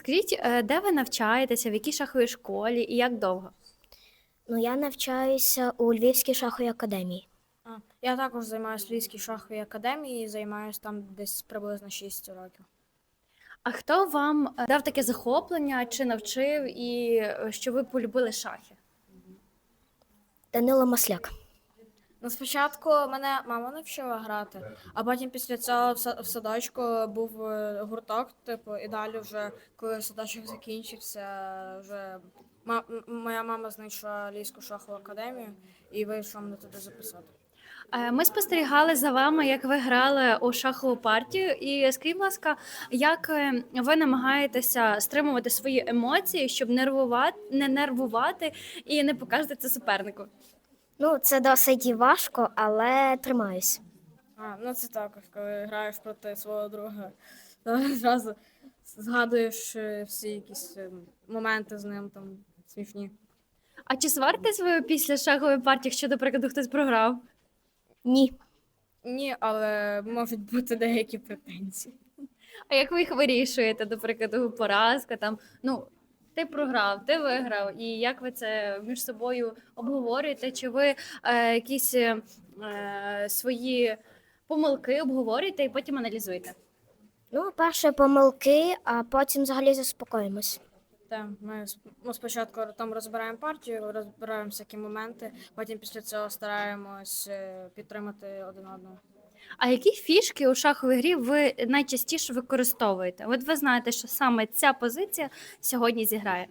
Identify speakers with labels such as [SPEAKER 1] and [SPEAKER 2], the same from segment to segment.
[SPEAKER 1] Скажіть, де ви навчаєтеся, в якій шаховій школі і як довго?
[SPEAKER 2] Ну, я навчаюся у Львівській шаховій академії.
[SPEAKER 3] Я також займаюся в Львівській шаховій академії і займаюся там десь приблизно 6 років.
[SPEAKER 1] А хто вам дав таке захоплення чи навчив і що ви полюбили шахи?
[SPEAKER 2] Данило Масляк.
[SPEAKER 3] Ну, спочатку мене мама навчила грати, а потім після цього в садочку був гурток, типу, і далі вже, коли садочок закінчився, вже моя мама знайшла Львівську шахову академію і вирішила мене туди записати.
[SPEAKER 1] Ми спостерігали за вами, як ви грали у шахову партію. І скажіть, будь ласка, як ви намагаєтеся стримувати свої емоції, щоб не нервувати і не показувати це супернику?
[SPEAKER 2] Ну, це досить важко, але тримаюсь.
[SPEAKER 3] Ну це також, коли граєш проти свого друга, то зразу згадуєш всі якісь моменти з ним там смішні.
[SPEAKER 1] А чи сваритесь ви після шахової партії, якщо, до прикладу, хтось програв?
[SPEAKER 2] Ні.
[SPEAKER 3] Ні, але можуть бути деякі претензії.
[SPEAKER 1] А як ви їх вирішуєте, до прикладу, поразка там, ну, ти програв, ти виграв, і як ви це між собою обговорюєте? Чи ви якісь свої помилки обговорюєте і потім аналізуєте?
[SPEAKER 2] Ну, перше помилки, а потім взагалі заспокоїмось.
[SPEAKER 3] Так, ми спочатку там розбираємо партію, розбираємо всякі моменти, потім після цього стараємось підтримати один одного.
[SPEAKER 1] А які фішки у шаховій грі ви найчастіше використовуєте? От ви знаєте, що саме ця позиція сьогодні зіграє.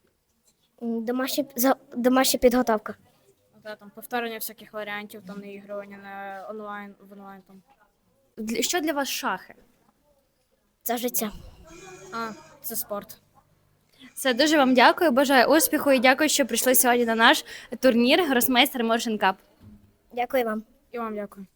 [SPEAKER 2] Домашня підготовка.
[SPEAKER 3] Там повторення всяких варіантів, там наігрування на в онлайн там.
[SPEAKER 1] Що для вас шахи?
[SPEAKER 2] Це життя.
[SPEAKER 3] Це спорт.
[SPEAKER 1] Все, дуже вам дякую, бажаю успіху і дякую, що прийшли сьогодні на наш турнір Гросмейстер Моршин Кап.
[SPEAKER 2] Дякую вам.
[SPEAKER 3] І вам дякую.